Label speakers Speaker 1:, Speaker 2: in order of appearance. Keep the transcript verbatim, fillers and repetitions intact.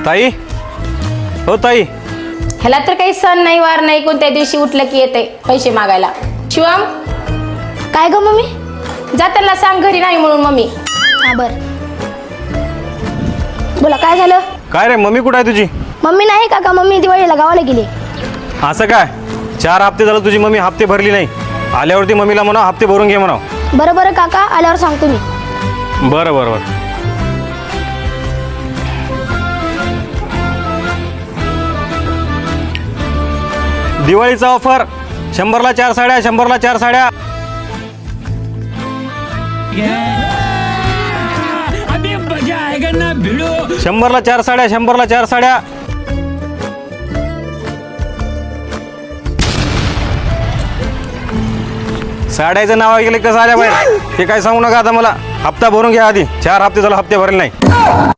Speaker 1: ताई, हो ताई.
Speaker 2: ह्याला तर काही सण नाही वार नाही, कोणत्या दिवशी उठलं की येते पैसे मागायला. शिवम,
Speaker 3: काय ग मम्मी?
Speaker 2: जा त्यांना सांग घरी नाही म्हणून. मम्मी
Speaker 3: हा बर. बोला काय झालं?
Speaker 1: काय रे, मम्मी कुठं आहे तुझी?
Speaker 3: मम्मी नाही काका, मम्मी दिवाळीला गावाला गेली.
Speaker 1: असं काय? चार हप्ते झालं तुझी मम्मी हप्ते भरली नाही. आल्यावरती मम्मीला म्हणा हप्ते भरून घे म्हणा.
Speaker 3: बरं बरं काका, आल्यावर सांगतो मी.
Speaker 1: बरं बरं बरं. दिवाळीचा ऑफर, शंभरला चार साड्या, शंभरला चार साड्या.
Speaker 4: अभी मजा आएगा ना भिड़ो.
Speaker 1: शंभरला चार साड्या, शंभरला चार साड्या. साड्याचं नाव ऐकलं कसं आल्या बाहेर ते काय सांगू नका आता मला. हप्ता भरून घ्या आधी, चार हप्ते झाला हप्ते भरले नाही.